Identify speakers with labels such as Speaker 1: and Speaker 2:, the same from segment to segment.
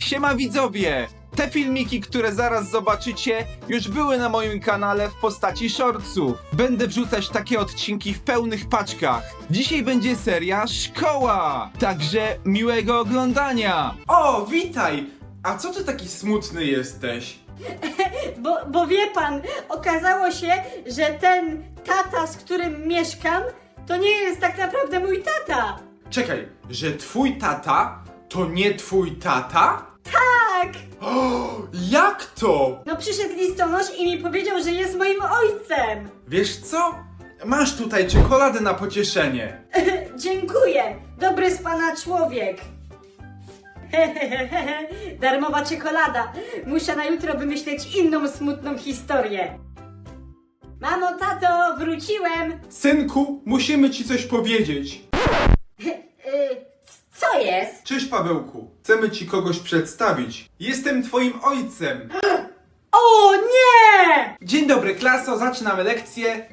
Speaker 1: Siema widzowie! Te filmiki, które zaraz zobaczycie, już były na moim kanale w postaci shortsów. Będę wrzucać takie odcinki w pełnych paczkach. Dzisiaj będzie seria Szkoła! Także miłego oglądania!
Speaker 2: O, witaj! A co ty taki smutny jesteś?
Speaker 3: Bo wie pan, okazało się, że ten tata, z którym mieszkam, to nie jest tak naprawdę mój tata.
Speaker 2: Czekaj, że twój tata to nie twój tata?
Speaker 3: Tak!
Speaker 2: O, jak to?
Speaker 3: No przyszedł listonosz i mi powiedział, że jest moim ojcem.
Speaker 2: Wiesz co? Masz tutaj czekoladę na pocieszenie.
Speaker 3: Dziękuję, dobry z pana człowiek. Darmowa czekolada. Muszę na jutro wymyśleć inną smutną historię. Mamo, tato, wróciłem.
Speaker 2: Synku, musimy ci coś powiedzieć.
Speaker 3: Co jest?
Speaker 2: Cześć Pawełku, chcemy ci kogoś przedstawić. Jestem twoim ojcem.
Speaker 3: O nie!
Speaker 2: Dzień dobry klaso, zaczynamy lekcję.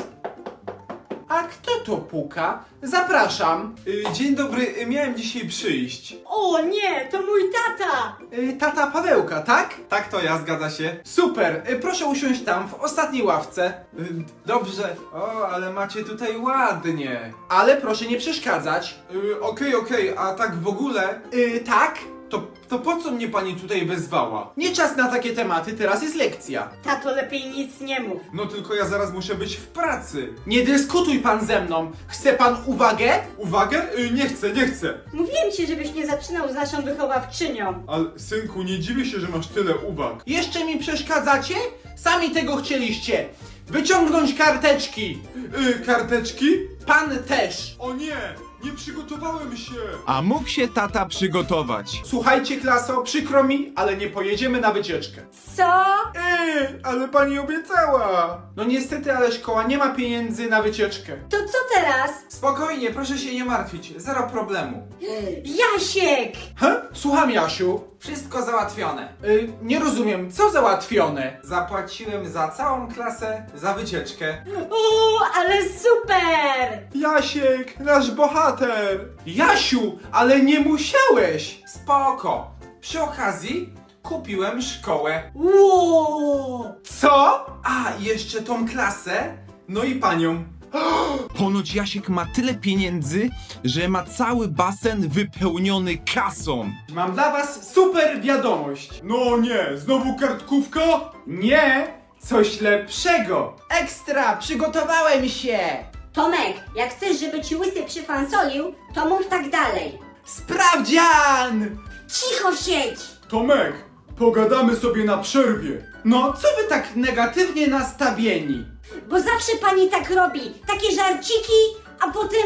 Speaker 2: A kto to puka? Zapraszam. Dzień dobry, miałem dzisiaj przyjść.
Speaker 3: O nie, to mój tata.
Speaker 2: Tata Pawełka, tak? Tak to ja, zgadza się. Super, proszę usiąść tam, w ostatniej ławce. Dobrze. O, ale macie tutaj ładnie. Ale proszę nie przeszkadzać. Okej, a tak w ogóle... Tak? To po co mnie pani tutaj wezwała? Nie czas na takie tematy, teraz jest lekcja.
Speaker 3: Tato, lepiej nic nie mów.
Speaker 2: No tylko ja zaraz muszę być w pracy. Nie dyskutuj pan ze mną. Chce pan uwagę? Uwagę? Nie chcę.
Speaker 3: Mówiłem ci, żebyś nie zaczynał z naszą wychowawczynią.
Speaker 2: Ale synku, nie dziwię się, że masz tyle uwag. Jeszcze mi przeszkadzacie? Sami tego chcieliście. Wyciągnąć karteczki. Karteczki? Pan też. O nie przygotowałem się.
Speaker 1: A mógł się tata przygotować.
Speaker 2: Słuchajcie klaso, przykro mi, ale nie pojedziemy na wycieczkę.
Speaker 3: Co?
Speaker 2: Ale pani obiecała. No niestety, ale szkoła nie ma pieniędzy na wycieczkę.
Speaker 3: To co teraz?
Speaker 2: Spokojnie, proszę się nie martwić, zero problemu.
Speaker 3: Jasiek!
Speaker 2: Słucham, Jasiu. Wszystko załatwione. Nie rozumiem, co załatwione? Zapłaciłem za całą klasę za wycieczkę.
Speaker 3: O, ale super!
Speaker 2: Jasiek, nasz bohater. Jasiu, ale nie musiałeś. Spoko. Przy okazji kupiłem szkołę.
Speaker 3: Wow!
Speaker 2: Co? A, jeszcze tą klasę? No i panią.
Speaker 1: Ponoć Jasiek ma tyle pieniędzy, że ma cały basen wypełniony kasą.
Speaker 2: Mam dla was super wiadomość. No nie, znowu kartkówka? Nie, coś lepszego. Ekstra, przygotowałem się.
Speaker 3: Tomek, jak chcesz, żeby ci łysy przyfansolił, to mów tak dalej.
Speaker 2: Sprawdzian!
Speaker 3: Cicho siedź!
Speaker 2: Tomek, pogadamy sobie na przerwie. No, co wy tak negatywnie nastawieni?
Speaker 3: Bo zawsze pani tak robi. Takie żarciki, a potem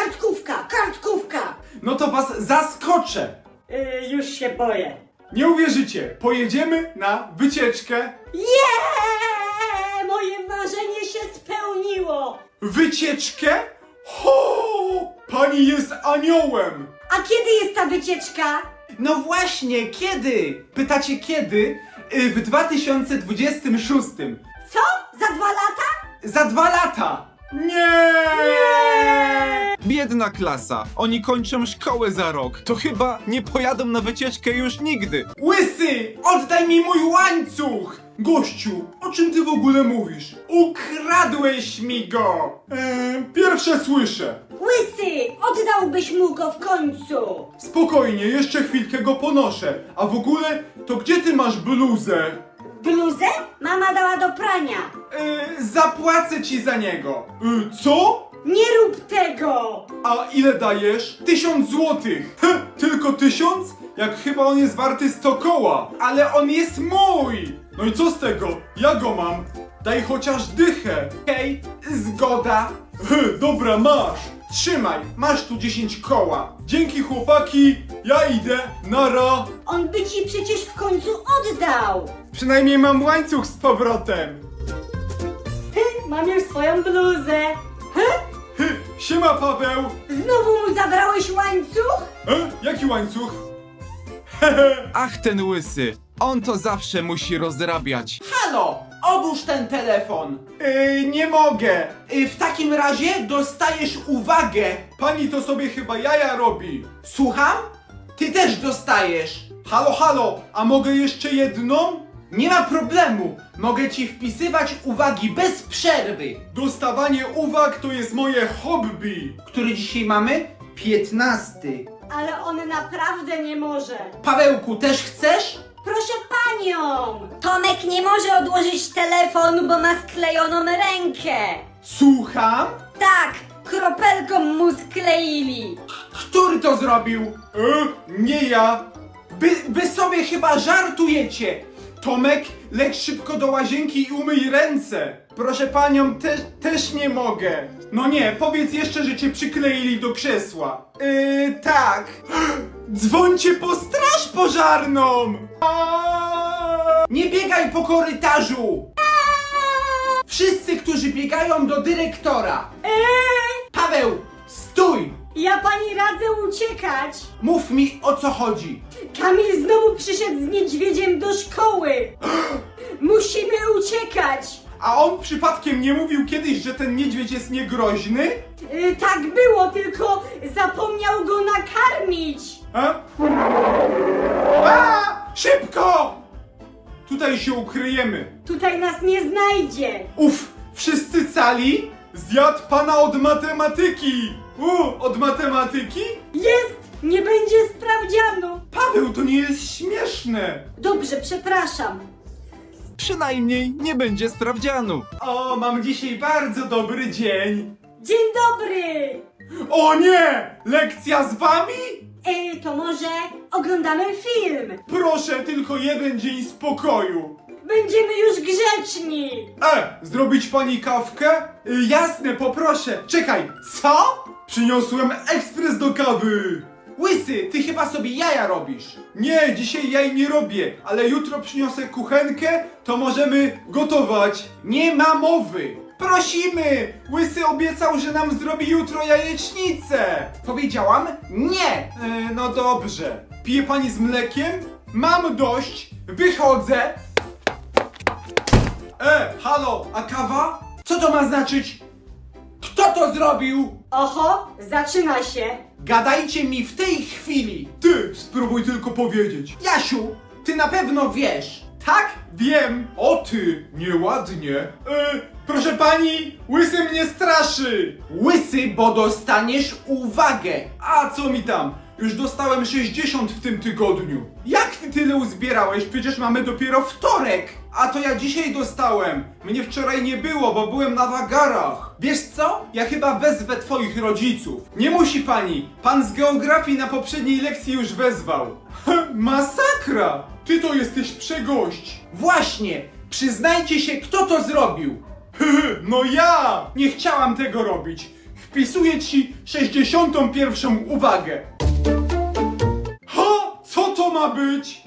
Speaker 3: kartkówka.
Speaker 2: No to was zaskoczę.
Speaker 3: Już się boję.
Speaker 2: Nie uwierzycie, pojedziemy na wycieczkę.
Speaker 3: Moje marzenie się spełniło!
Speaker 2: Wycieczkę? Ho! Pani jest aniołem!
Speaker 3: A kiedy jest ta wycieczka?
Speaker 2: No właśnie, kiedy? Pytacie kiedy? W 2026.
Speaker 3: Co? Za 2 lata?
Speaker 2: Za 2 lata! Nie!
Speaker 1: Biedna klasa, oni kończą szkołę za rok. To chyba nie pojadą na wycieczkę już nigdy.
Speaker 2: Łysy! Oddaj mi mój łańcuch! Gościu, o czym ty w ogóle mówisz? Ukradłeś mi go! Pierwsze słyszę.
Speaker 3: Łysy, oddałbyś mu go w końcu!
Speaker 2: Spokojnie, jeszcze chwilkę go ponoszę. A w ogóle, to gdzie ty masz bluzę?
Speaker 3: Bluzę? Mama dała do prania.
Speaker 2: Zapłacę ci za niego. Co?
Speaker 3: Nie rób tego!
Speaker 2: A ile dajesz? 1000 złotych. Tylko 1000? Jak chyba on jest warty 100 koła. Ale on jest mój! No i co z tego? Ja go mam. Daj chociaż dychę. Hej, zgoda. Dobra, masz. Trzymaj, masz tu 10 koła. Dzięki chłopaki, ja idę, nara.
Speaker 3: On by ci przecież w końcu oddał!
Speaker 2: Przynajmniej mam łańcuch z powrotem.
Speaker 3: Mam już swoją bluzę.
Speaker 2: Siema Paweł.
Speaker 3: Znowu mu zabrałeś łańcuch?
Speaker 2: Jaki łańcuch?
Speaker 1: Ach, ten łysy, on to zawsze musi rozrabiać.
Speaker 2: Halo, odłóż ten telefon. Nie mogę. W takim razie dostajesz uwagę. Pani to sobie chyba jaja robi. Słucham? Ty też dostajesz. Halo, halo, a mogę jeszcze jedną?
Speaker 1: Nie ma problemu, mogę ci wpisywać uwagi bez przerwy.
Speaker 2: Dostawanie uwag to jest moje hobby.
Speaker 1: Który dzisiaj mamy? 15.
Speaker 3: Ale on naprawdę nie może.
Speaker 1: Pawełku, też chcesz?
Speaker 3: Proszę panią!
Speaker 4: Tomek nie może odłożyć telefonu, bo ma sklejoną rękę.
Speaker 1: Słucham?
Speaker 4: Tak, kropelką mu skleili.
Speaker 1: Który to zrobił?
Speaker 2: Nie ja.
Speaker 1: Wy sobie chyba żartujecie.
Speaker 2: Tomek, leć szybko do łazienki i umyj ręce. Proszę panią, też nie mogę. No nie, powiedz jeszcze, że cię przykleili do krzesła.
Speaker 1: Tak.
Speaker 2: Dzwońcie po straż pożarną!
Speaker 1: Nie biegaj po korytarzu. Wszyscy, którzy biegają do dyrektora. Paweł, stój.
Speaker 3: Ja pani radzę uciekać.
Speaker 1: Mów mi, o co chodzi.
Speaker 3: Kamil znowu przyszedł z niedźwiedziem do szkoły. Musimy uciekać.
Speaker 2: A on przypadkiem nie mówił kiedyś, że ten niedźwiedź jest niegroźny?
Speaker 3: Tak było, tylko zapomniał go nakarmić.
Speaker 2: Szybko! Tutaj się ukryjemy.
Speaker 3: Tutaj nas nie znajdzie.
Speaker 2: Uf, wszyscy cali? Zjadł pana od matematyki. Od matematyki?
Speaker 3: Jest! Nie będzie sprawdzianu.
Speaker 2: Paweł, to nie jest śmieszne.
Speaker 3: Dobrze, przepraszam.
Speaker 1: Przynajmniej nie będzie sprawdzianu.
Speaker 2: O, mam dzisiaj bardzo dobry dzień.
Speaker 3: Dzień dobry!
Speaker 2: O nie! Lekcja z wami?
Speaker 3: To może oglądamy film.
Speaker 2: Proszę, tylko jeden dzień spokoju.
Speaker 3: Będziemy już grzeczni.
Speaker 2: Zrobić pani kawkę? Jasne, poproszę. Czekaj, co? Przyniosłem ekspres do kawy.
Speaker 1: Łysy, ty chyba sobie jaja robisz.
Speaker 2: Nie, dzisiaj jaj nie robię, ale jutro przyniosę kuchenkę, to możemy gotować.
Speaker 1: Nie ma mowy.
Speaker 2: Prosimy! Łysy obiecał, że nam zrobi jutro jajecznicę.
Speaker 1: Powiedziałam nie.
Speaker 2: No dobrze. Pije pani z mlekiem? Mam dość. Wychodzę. Halo, a kawa?
Speaker 1: Co to ma znaczyć? Kto to zrobił?
Speaker 3: Oho, zaczyna się.
Speaker 1: Gadajcie mi w tej chwili.
Speaker 2: Ty, spróbuj tylko powiedzieć.
Speaker 1: Jasiu, ty na pewno wiesz. Tak?
Speaker 2: Wiem. O ty, nieładnie. Proszę pani, łysy mnie straszy.
Speaker 1: Łysy, bo dostaniesz uwagę.
Speaker 2: A co mi tam? Już dostałem 60 w tym tygodniu. Jak ty tyle uzbierałeś? Przecież mamy dopiero wtorek. A to ja dzisiaj dostałem. Mnie wczoraj nie było, bo byłem na wagarach. Wiesz co? Ja chyba wezwę twoich rodziców. Nie musi pani. Pan z geografii na poprzedniej lekcji już wezwał. Masakra! Ty to jesteś przegość.
Speaker 1: Właśnie, przyznajcie się, kto to zrobił.
Speaker 2: No ja! Nie chciałam tego robić. Wpisuję ci 61. uwagę. Co to ma być?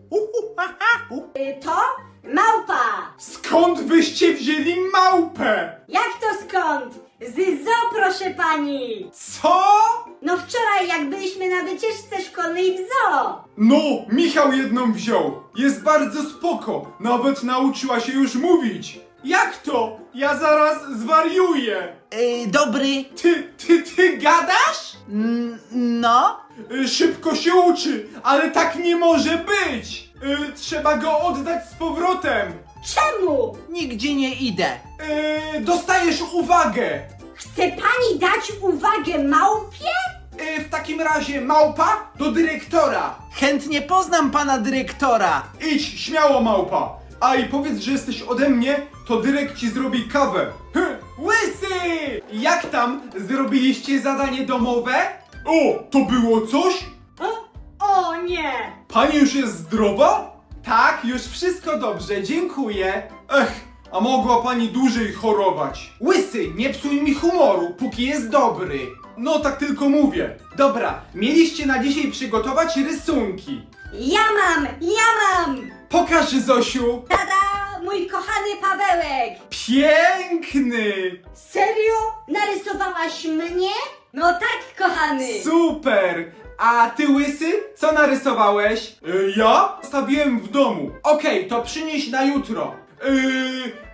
Speaker 3: To małpa.
Speaker 2: Skąd wyście wzięli małpę?
Speaker 3: Jak to skąd? Z zoo, proszę pani.
Speaker 2: Co?
Speaker 3: No wczoraj jak byliśmy na wycieczce szkolnej w zoo.
Speaker 2: No, Michał jedną wziął. Jest bardzo spoko. Nawet nauczyła się już mówić. Jak to? Ja zaraz zwariuję.
Speaker 1: Dobry.
Speaker 2: Ty gadasz?
Speaker 1: No?
Speaker 2: Szybko się uczy, ale tak nie może być. Trzeba go oddać z powrotem.
Speaker 3: Czemu?
Speaker 1: Nigdzie nie idę.
Speaker 2: Dostajesz uwagę.
Speaker 3: Chce pani dać uwagę małpie?
Speaker 1: W takim razie małpa do dyrektora. Chętnie poznam pana dyrektora.
Speaker 2: Idź, śmiało małpa. A i powiedz, że jesteś ode mnie, to dyrekt ci zrobi kawę. Łysy! Jak tam? Zrobiliście zadanie domowe? O, to było coś?
Speaker 3: O nie!
Speaker 2: Pani już jest zdrowa? Tak, już wszystko dobrze, dziękuję. A mogła pani dłużej chorować.
Speaker 1: Łysy, nie psuj mi humoru, póki jest dobry.
Speaker 2: No tak tylko mówię.
Speaker 1: Dobra, mieliście na dzisiaj przygotować rysunki.
Speaker 4: Ja mam!
Speaker 1: Pokaż, Zosiu.
Speaker 4: Tada! Mój kochany Pawełek!
Speaker 2: Piękny!
Speaker 3: Serio?
Speaker 4: Narysowałaś mnie? No tak, kochany!
Speaker 1: Super! A ty, Łysy, co narysowałeś?
Speaker 2: Ja stawiłem w domu.
Speaker 1: Okej, to przynieś na jutro.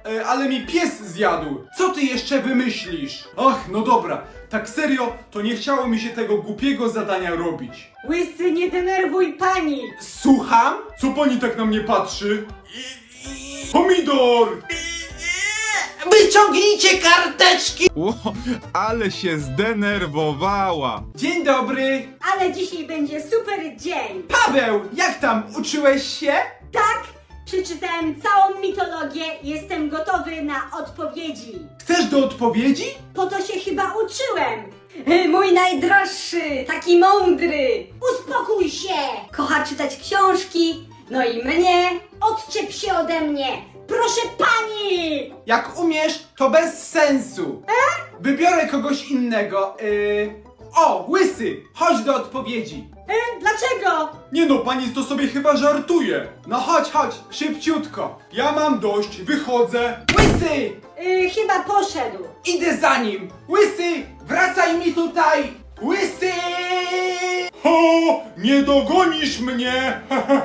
Speaker 2: ale mi pies zjadł. Co ty jeszcze wymyślisz? Ach, no dobra, tak serio, to nie chciało mi się tego głupiego zadania robić.
Speaker 3: Łysy, nie denerwuj pani!
Speaker 2: Słucham? Co pani tak na mnie patrzy? Pomidor!
Speaker 5: Wyciągnijcie karteczki!
Speaker 1: Ło, ale się zdenerwowała.
Speaker 2: Dzień dobry!
Speaker 3: Ale dzisiaj będzie super dzień!
Speaker 2: Paweł, jak tam? Uczyłeś się?
Speaker 3: Tak, przeczytałem całą mitologię, jestem gotowy na odpowiedzi.
Speaker 2: Chcesz do odpowiedzi?
Speaker 3: Po to się chyba uczyłem.
Speaker 4: Mój najdroższy, taki mądry. Uspokój się. Kocha czytać książki. No i mnie. Odczep się ode mnie. Proszę pani.
Speaker 2: Jak umiesz, to bez sensu. Wybiorę kogoś innego. O, łysy, chodź do odpowiedzi.
Speaker 3: Dlaczego?
Speaker 2: Nie no, pani to sobie chyba żartuje. No chodź, szybciutko. Ja mam dość, wychodzę. Łysy,
Speaker 3: Chyba poszedł.
Speaker 2: idę za nim. Łysy, wracaj mi tutaj. Łysy! Ho, nie dogonisz mnie.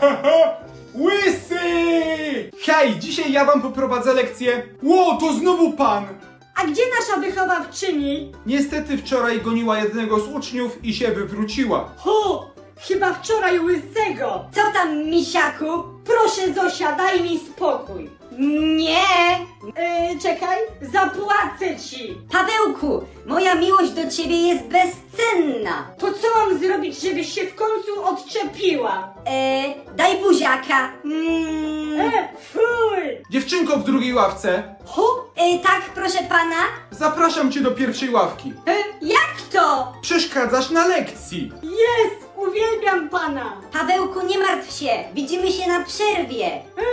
Speaker 2: Łysy! Hej, dzisiaj ja wam poprowadzę lekcję. Ło, to znowu pan.
Speaker 3: A gdzie nasza wychowawczyni?
Speaker 2: Niestety wczoraj goniła jednego z uczniów i się wywróciła.
Speaker 3: Chyba wczoraj łysego.
Speaker 4: Co tam, misiaku?
Speaker 3: Proszę Zosia, daj mi spokój.
Speaker 4: Nie.
Speaker 3: Czekaj, zapłacę ci.
Speaker 4: Pawełku, moja miłość do ciebie jest bezcenna.
Speaker 3: To co mam zrobić, żebyś się w końcu odczepiła?
Speaker 4: Daj buziaka.
Speaker 3: Fuj!
Speaker 2: Dziewczynko w drugiej ławce,
Speaker 4: Tak, proszę pana.
Speaker 2: zapraszam cię do pierwszej ławki.
Speaker 4: Jak to?
Speaker 2: Przeszkadzasz na lekcji.
Speaker 3: Jest! Uwielbiam pana!
Speaker 4: Pawełku, nie martw się. Widzimy się na przerwie.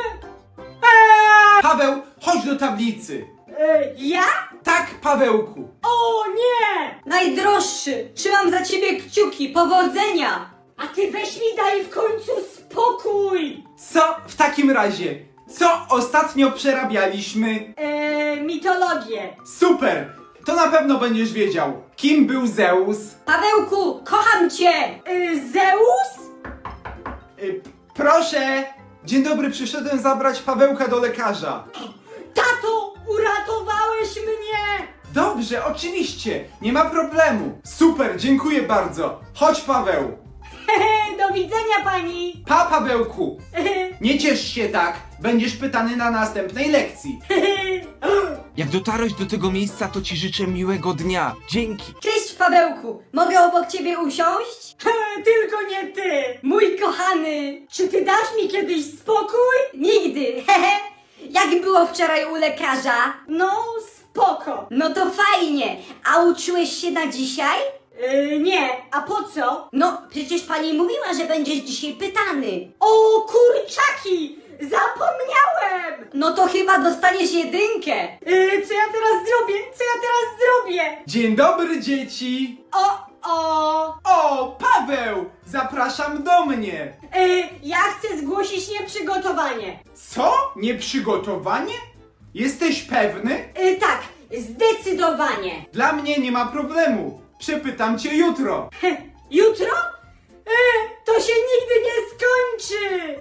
Speaker 2: Paweł, chodź do tablicy.
Speaker 3: Ja?
Speaker 2: Tak, Pawełku.
Speaker 3: O nie!
Speaker 4: Najdroższy, trzymam za ciebie kciuki. Powodzenia.
Speaker 3: A ty weź mi daj w końcu spokój!
Speaker 2: Co w takim razie? Co ostatnio przerabialiśmy?
Speaker 3: Mitologię.
Speaker 2: Super! To na pewno będziesz wiedział. Kim był Zeus?
Speaker 4: Pawełku, kocham cię.
Speaker 3: Zeus?
Speaker 2: Proszę! Dzień dobry, przyszedłem zabrać Pawełka do lekarza.
Speaker 3: Tato, uratowałeś mnie!
Speaker 2: Dobrze, oczywiście, nie ma problemu. Super, dziękuję bardzo. Chodź, Paweł.
Speaker 3: Do widzenia pani!
Speaker 2: Pa, Pawełku. Nie ciesz się tak, będziesz pytany na następnej lekcji.
Speaker 1: Jak dotarłeś do tego miejsca, to ci życzę miłego dnia. Dzięki.
Speaker 4: Cześć, Pawełku. Mogę obok ciebie usiąść?
Speaker 3: Tylko nie ty!
Speaker 4: Mój kochany.
Speaker 3: Czy ty dasz mi kiedyś spokój?
Speaker 4: Nigdy. Hehe. Jak było wczoraj u lekarza?
Speaker 3: No, spoko.
Speaker 4: No to fajnie. A uczyłeś się na dzisiaj?
Speaker 3: Nie, a po co?
Speaker 4: No, przecież pani mówiła, że będziesz dzisiaj pytany.
Speaker 3: O, kurczaki! Zapomniałem!
Speaker 4: No to chyba dostaniesz jedynkę.
Speaker 3: Co ja teraz zrobię? Co ja teraz zrobię?
Speaker 2: Dzień dobry, dzieci.
Speaker 3: O!
Speaker 2: O, Paweł! Zapraszam do mnie.
Speaker 3: Ja chcę zgłosić nieprzygotowanie.
Speaker 2: Co? Nieprzygotowanie? Jesteś pewny?
Speaker 3: Tak, zdecydowanie.
Speaker 2: Dla mnie nie ma problemu. Przepytam cię jutro.
Speaker 3: Jutro? To się nigdy nie skończy!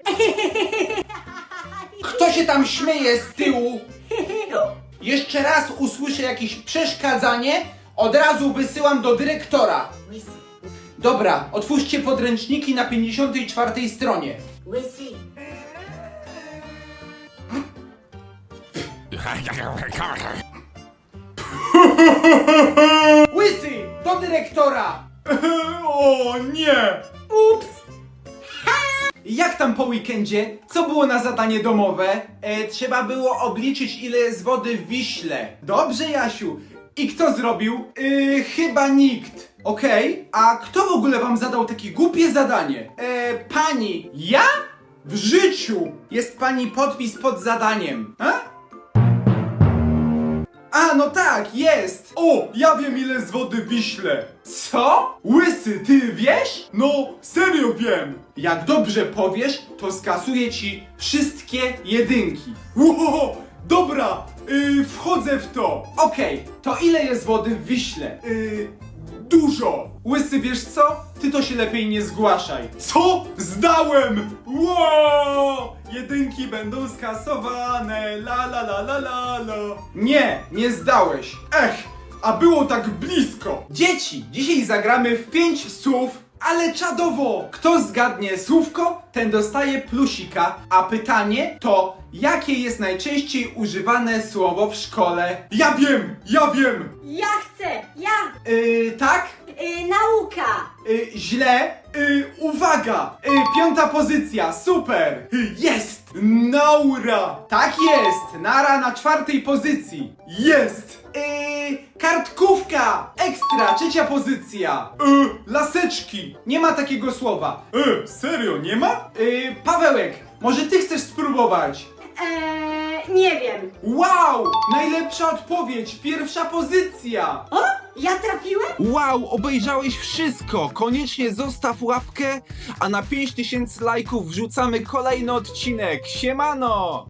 Speaker 5: Kto się tam śmieje z tyłu? Jeszcze raz usłyszę jakieś przeszkadzanie, od razu wysyłam do dyrektora. Dobra, otwórzcie podręczniki na 54 stronie.
Speaker 3: Łysy.
Speaker 5: Łysy, do dyrektora!
Speaker 2: O nie!
Speaker 3: Ups!
Speaker 2: Jak tam po weekendzie? Co było na zadanie domowe? Trzeba było obliczyć, ile jest wody w Wiśle. Dobrze, Jasiu. I kto zrobił? Chyba nikt. Okej, a kto w ogóle wam zadał takie głupie zadanie? Pani. Ja? W życiu! Jest pani podpis pod zadaniem. A, no tak, jest! O, ja wiem, ile z wody w Wiśle. Co? Łysy, ty wiesz? No, serio wiem. Jak dobrze powiesz, to skasuję ci wszystkie jedynki. Ło, dobra, wchodzę w to. Okej, to ile jest wody w Wiśle? Dużo. Łysy, wiesz co? Ty to się lepiej nie zgłaszaj. Co? Zdałem! Wow! jedynki będą skasowane, la la la la la la. Nie zdałeś. Ech, a było tak blisko.
Speaker 1: Dzieci, dzisiaj zagramy w 5 słów, ale czadowo! Kto zgadnie słówko, ten dostaje plusika, a pytanie to, jakie jest najczęściej używane słowo w szkole?
Speaker 2: Ja wiem!
Speaker 4: Ja chcę! Ja!
Speaker 1: Tak?
Speaker 4: Nauka!
Speaker 1: Źle?
Speaker 2: Uwaga!
Speaker 1: 5. pozycja, super!
Speaker 2: Jest! Naura!
Speaker 1: Tak jest! Nara na 4. pozycji.
Speaker 2: Jest!
Speaker 1: Kartkówka! Ekstra, 3. pozycja.
Speaker 2: Laseczki!
Speaker 1: Nie ma takiego słowa.
Speaker 2: Serio, nie ma?
Speaker 1: Pawełek, może ty chcesz spróbować?
Speaker 4: Nie wiem.
Speaker 1: Wow! Najlepsza odpowiedź! 1. pozycja!
Speaker 4: O! Ja trafiłem?
Speaker 1: Wow, obejrzałeś wszystko! Koniecznie zostaw łapkę, a na 5000 lajków wrzucamy kolejny odcinek. Siemano!